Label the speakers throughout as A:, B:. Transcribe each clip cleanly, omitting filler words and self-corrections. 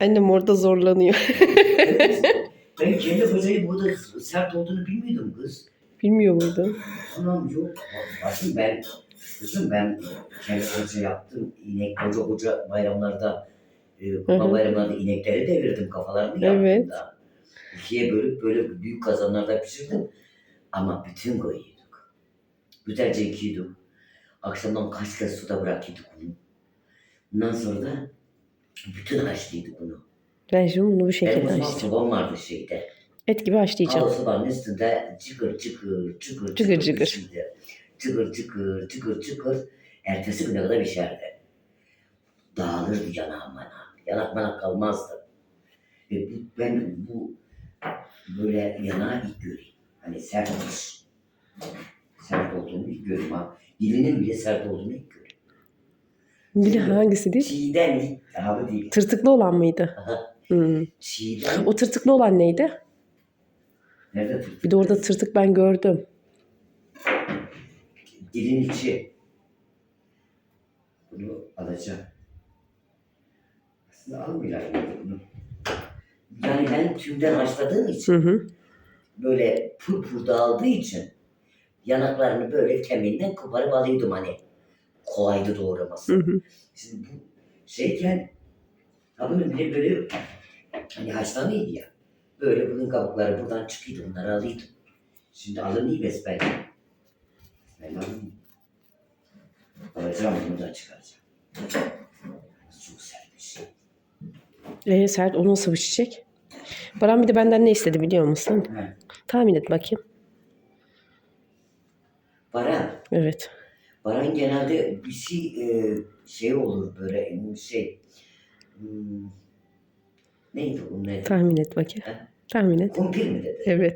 A: Annem orada zorlanıyor.
B: Evet. Ben kendi böceği burada sert olduğunu bilmiyordum kız.
A: Bilmiyor muydun?
B: Anam yok. Bakın kızım ben kendi böceği yaptım. İnek koca bayramlarda, kupa bayramlarda inekleri devirdim. Kafalarını yaptım
A: Evet.
B: da. İkiye bölüp böyle büyük kazanlarda pişirdim. Ama bütün koyuyorduk. Güzelce yıkıyorduk. Akşamdan kaç kez suda bırakıyorduk bunu. Bundan sonra da bütün haşlıyorduk bunu.
A: Ben şimdi bunu bu şekilde
B: Benim o zaman
A: açacağım.
B: sobam vardı şeyde.
A: Et gibi haşlayacağım.
B: Sobanın üstünde çıkır çıkır çıkır
A: Çıkır çıkır.
B: pişirdi. Çıkır çıkır çıkır çıkır. Ertesi güne kadar pişerdi. Dağılırdı yanağım bana. Yanak manak kalmazdı. Ben bu böyle yanağı ilk göreyim. Hani sert olmuş. Sert olduğunu ilk göreyim ha. Dilinin bile sert olduğunu ilk göreyim.
A: Biri hangisi değil?
B: Çiğdem ilk abi değil.
A: Tırtıklı olan mıydı?
B: Aha.
A: Hmm.
B: Çiğdem.
A: O tırtıklı olan neydi?
B: Nerede tırtık?
A: Bir de orada tırtık ben gördüm.
B: Dilin içi. Bunu alacağım. Aslında almayacağım bunu. Yani ben tümden haşladığım için böyle pur dağıldığı için yanaklarını böyle kemiğinden koparıp alıyordum hani. Kolaydı doğraması. Şimdi bu şeyken bunun bile böyle hani haşlanıydı ya. Böyle bunun kabukları buradan çıkıyordu. Bunları alıyordum. Şimdi alınıyor besbelli. Ben alayım. Alacağım bunu da çıkaracağım. Çok sert bir şey.
A: Sert o nasıl bir çiçek? Baran bir de benden ne istedi biliyor musun?
B: He.
A: Tahmin et bakayım.
B: Baran.
A: Evet.
B: Baran genelde bir şey olur böyle neydi bu ne?
A: Tahmin et bakayım.
B: He?
A: Tahmin et.
B: Kumpir mi dedi?
A: Evet.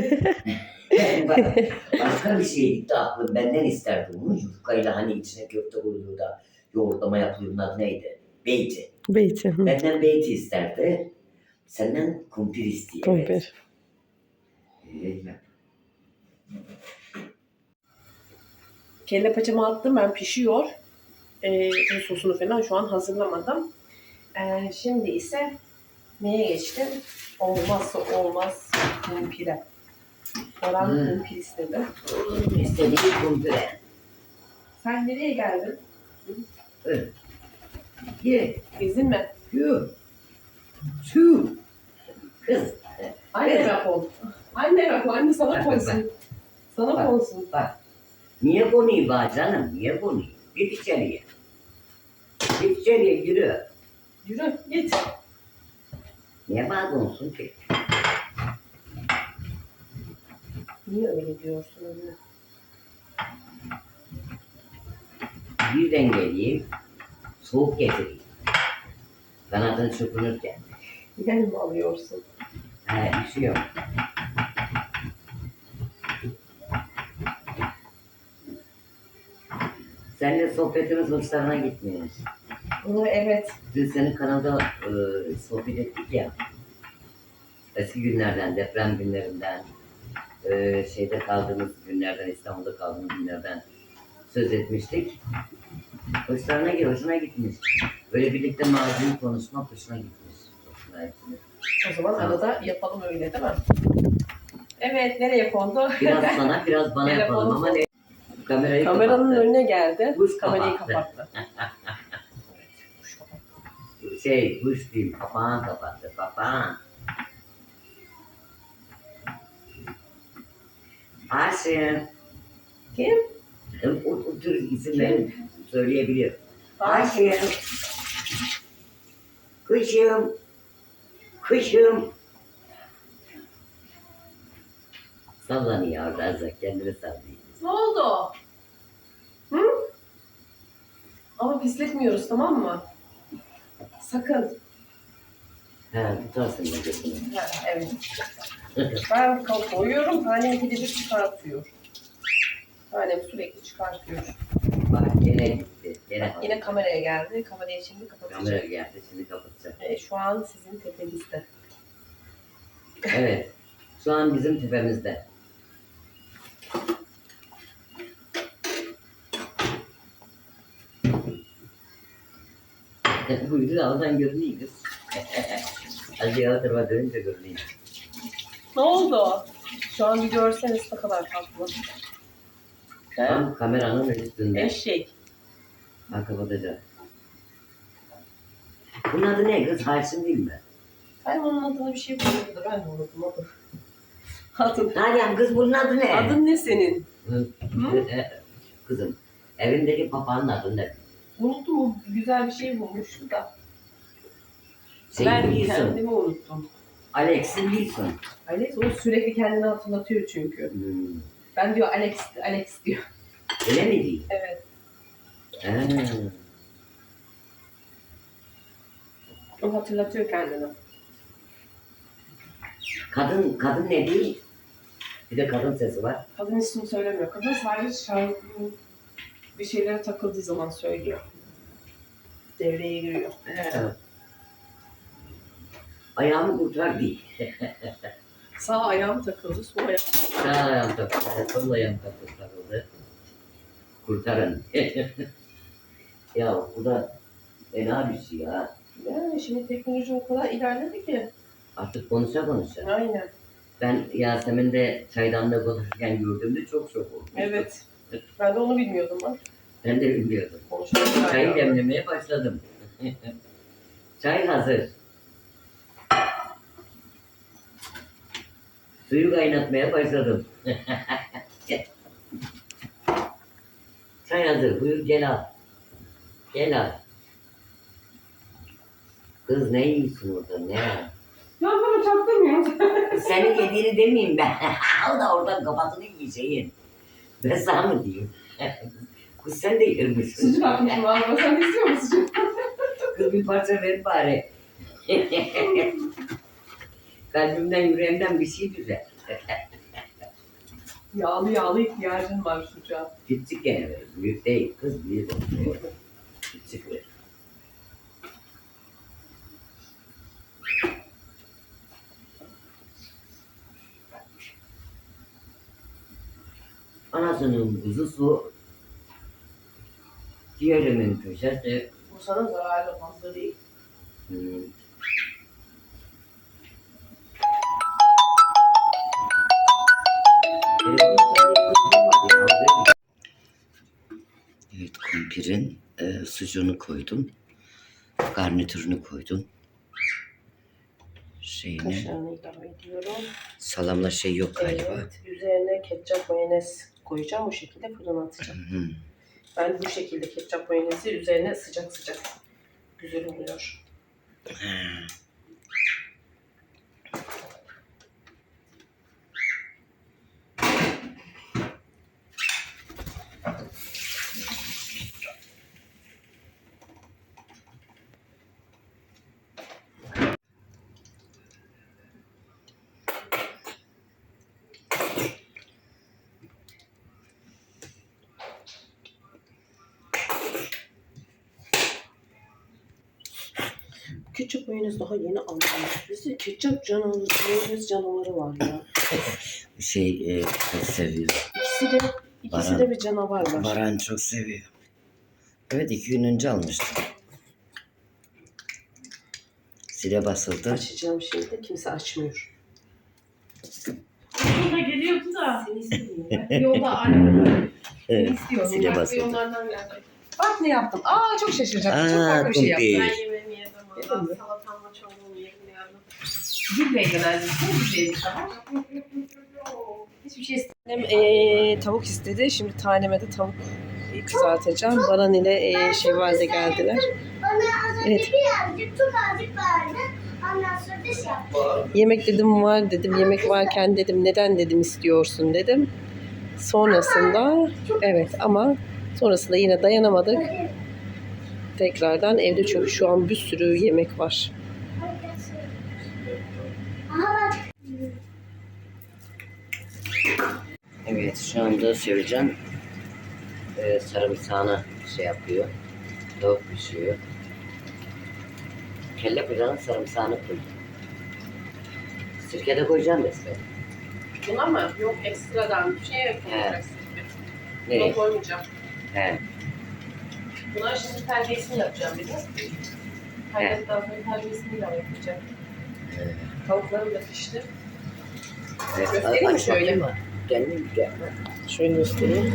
B: Başka bir şey gitti aklım. Benden isterdi bunu. Yufkayla hani içine köfte koyuluyor da yoğurtlama yapılıyor. Bunun adı neydi? Beyti.
A: Beyti.
B: Benden beyti isterdi. Senden kumpir istiyor.
A: Kumpir.
B: Evet.
A: Kelle paçamı attım ben pişiyor. Bu sosunu falan şu an hazırlamadım. Şimdi ise neye geçtim? Olmazsa olmaz kumpire. Baran kumpir istedi.
B: İstediği kumpire.
A: Sen nereye geldin?
B: Evet. Ye.
A: Gezin mi?
B: Şu. Şu. Kız.
A: Anneme kol. Anneme kol. Anne sana
B: Bak,
A: konsun. Sana
B: Bak.
A: konsun.
B: Bak. Niye konuyu bak canım? Niye konuyu? Git içeriye. Git içeriye yürü.
A: Yürü git.
B: Niye bana konsun ki?
A: Niye öyle diyorsun anne?
B: Birden geleyim. Soğuk getireyim. Kanadın çırpınırken.
A: Yer mi alıyorsun?
B: Bir şey yok. Seninle sohbetimiz hoşlarına gitmiyor.
A: Evet.
B: Dün senin kanalda sohbet ettik ya. Eski günlerden, deprem günlerinden, şeyde kaldığımız günlerden, İstanbul'da kaldığımız günlerden söz etmiştik. Hoşuna gitmiş. Böyle birlikte maziyi konuşmak hoşuna gitmiş. Hoşuna gitmiş.
A: O zaman arada yapalım öyle değil mi? Evet, nereye kondu?
B: Biraz sana, biraz bana yapalım ama ne? Kamerayı
A: Kameranın
B: kapattı.
A: önüne geldi.
B: Kuş
A: Kamerayı
B: kapattı.
A: kapattı. Evet, kuş kapattı.
B: Kuş değil, papağan kapattı, papağan. Aşkım.
A: Kim?
B: O tür isimleri söyleyebiliyor.
A: Aşkım.
B: Aşkım. Kuşum. Kuşum. Sallanıyor orada azıcık, kendini sallıyor.
A: Ne oldu? Hı? Ama pisletmiyoruz tamam mı? Sakın.
B: Tutarsın da götünü.
A: Evet. Ben koyuyorum, tanem ikide bir çıkartıyor. Tanem sürekli çıkartıyor.
B: Bak gene gitti. Gene
A: Yine kameraya geldi. Kamerayı şimdi kapatacağım.
B: kamera geldi, şimdi kapatacak.
A: Şu an sizin tepenizde.
B: Evet. Şu an bizim tepemizde. Buydu da oradan görünüyor kız. Hadi ya tarafa dönünce görüneyim.
A: Ne oldu? Şu an bir görseniz ne kadar tatlı. He?
B: Tam kameranın üstünde.
A: Eşek.
B: Ha kapatacağım. Bunun adı ne kız? Haşim değil mi?
A: Ben onun adına bir şey bulmadım da ben de unuttum adı. Adın.
B: Nalan kız bunun adı ne?
A: Adın ne senin? Hı?
B: Kızım. Evimdeki papağanın adı ne?
A: Unuttum, o güzel bir şey bulmuştu da.
B: Şey
A: Ben
B: Wilson.
A: kendimi unuttum.
B: Alex Wilson.
A: Alex o sürekli kendini hatırlatıyor çünkü. Ben diyor Alex, Alex diyor.
B: Öyle mi değil?
A: Evet.
B: Ha.
A: O hatırlatıyor kendini.
B: Kadın ne değil? Bir de kadın sesi var.
A: Kadın ismini söylemiyor. Kadın sadece şarkının bir şeylere takıldığı zaman söylüyor. Devreye giriyor.
B: Evet. Ayağımı kurtar değil.
A: Sağ ayağım takıldı, sol ayağım.
B: Sağ ayağım takıldı, sol ayağım takıldı. Kurtarın. Ya bu da fena bir şey ya.
A: Yani şimdi teknoloji o kadar ilerledi ki.
B: Artık konuşa.
A: Aynen.
B: Ben Yasemin'de çaydanlığı konuşurken gördüğümde çok şok oldum.
A: Evet. Ben de onu bilmiyordum bak.
B: Ben de bilmiyordum.
A: Konuşmak
B: Çayı demlemeye başladım. Çay hazır. Suyu kaynatmaya başladım. Çay hazır. Buyur gel al. Gel al. Kız ne yiyorsun orada ne?
A: Ya bana çaktırmıyorum.
B: Senin yediğini demeyeyim ben. O da oradan kafasını yiyeceğin. Ben sana mı diyeyim? Kız sen de yırmışsın.
A: Sucuk atmışım valla. Sen de istiyor musun sucuk?
B: Kız bir parça ver bari. Kalbimden yüreğimden bir şey güzel.
A: Yağlı ihtiyacın var sucuğa.
B: Küçük gene ver. Büyük değil. Kız büyük olsun. Küçük ver. Anasının kuzusu, diğerimin köşesi.
A: Bu sana zararlı fazla değil. Evet, kumpirin sucuğunu koydum. Garnitürünü koydum. Kaşarını ilave ediyorum. Salamla şey yok galiba. Evet, üzerine ketçap mayonez koyacağım. O şekilde fırına atacağım. Ben bu şekilde ketçap mayonezi üzerine sıcak güzel oluyor. Ketçap mayonez daha yeni aldım. Bizde ketçap mayonez canavarı var ya.
B: Çok seviyor.
A: İkisi de bir canavar var.
B: Baran çok seviyor. Evet 2 gün önce almıştım. Zile basıldı.
A: Açacağım şeyde kimse açmıyor.
C: Burada geliyordu da.
A: Seni istiyorum ben. Yolda arıyorum.
B: Evet,
A: Seni istiyorum.
B: zile
A: Farklı
B: basıldı.
A: yollardan geldim. Bak ne yaptım. Aa çok şaşıracaktım. Çok farklı bir şey yaptım.
B: kumpir.
C: Ben yemeğimi yedim.
A: Yedin
C: Allah
A: mi?
C: salatamla çorbanı yedim yardım.
A: Gülle genelde. Çok güzel daha. Hiçbir şey istedim. Tavuk istedi. Şimdi taneme de tavuk kızartacağım. Baran ile Şevval de geldiler. Evet. Yemek dedim var dedim. Yemek varken dedim neden dedim istiyorsun dedim. Sonrasında evet ama sonrasında yine dayanamadık. Tekrardan evde çünkü şu an bir sürü yemek var. Evet şu anda Sevcan sarımsağını şey yapıyor. Tavuk pişiyor. Kelle paçanın sarımsağını koy. Sirke de koyacağım mesela. Buna mı? Yok ekstradan bir şey
B: koyacaksın.
A: Buna
B: Nereye?
A: koymayacağım.
B: He.
A: Buna şimdi terbiyesini yapacağım bir de. Terbiyesinden sonra terbiyesini ilave yapacağım. Tavuklarım da pişti.
B: Evet,
A: Göstereyim mi şöyle?
B: Kendim güzel.
A: Şöyle göstereyim.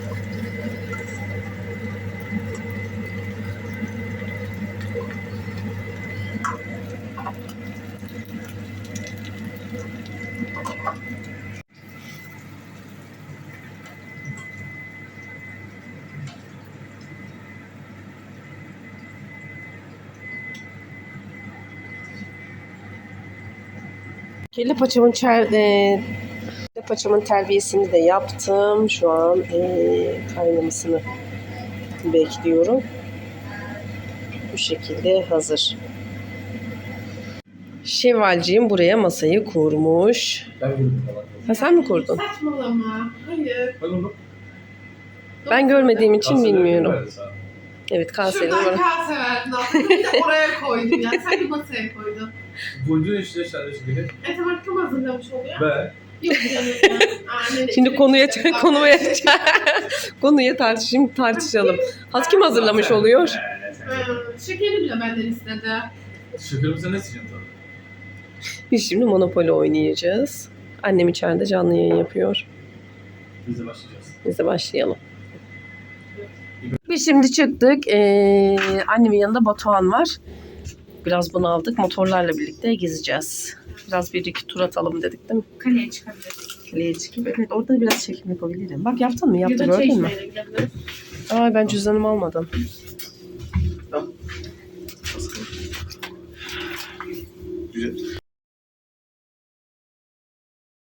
A: Kelle paçamın terbiyesini de yaptım. Şu an kaynamasını bekliyorum. Bu şekilde hazır. Şevvalciğim buraya masayı kurmuş.
D: Ben vurdum falan.
A: Ha, sen mi kurdun?
C: Saçmalama. Hayır.
D: Ben onu
A: Ben görmediğim için
D: kasada
A: bilmiyorum.
D: verdi sana.
A: Evet, kasenin
C: Şuradan
A: var.
C: kase verdin aslında. Bir de oraya koydun ya. Sen de masaya koydun.
D: Vurduğun işte sen de şimdi.
C: Tamam kim hazırlamış oluyor?
D: Ben.
C: Yok canım ya. Annene
A: Şimdi konuya
C: işte.
A: konuya tartışalım. Kim hazırlamış oluyor?
C: Şekeri bile benden istedi.
D: Şekerimi sen ne sıcaksın tabii?
A: Biz şimdi Monopoly oynayacağız. Annem içeride canlı yayın yapıyor.
D: Biz de başlayacağız.
A: Biz de başlayalım. Biz şimdi çıktık. Annemin yanında Batuhan var. Biraz bunaldık. Motorlarla birlikte gezeceğiz. Biraz bir iki tur atalım dedik değil mi?
C: Kaleye çıkabiliriz.
A: Kaleye çıkıp. Evet, orada biraz çekim yapabilirim. Bak yaptın mı? Yaptı,
C: Ya da
A: gördün mü?
C: Çeşme'ye gidebiliriz.
A: Aa, ben cüzdanımı almadım.
D: Güzel.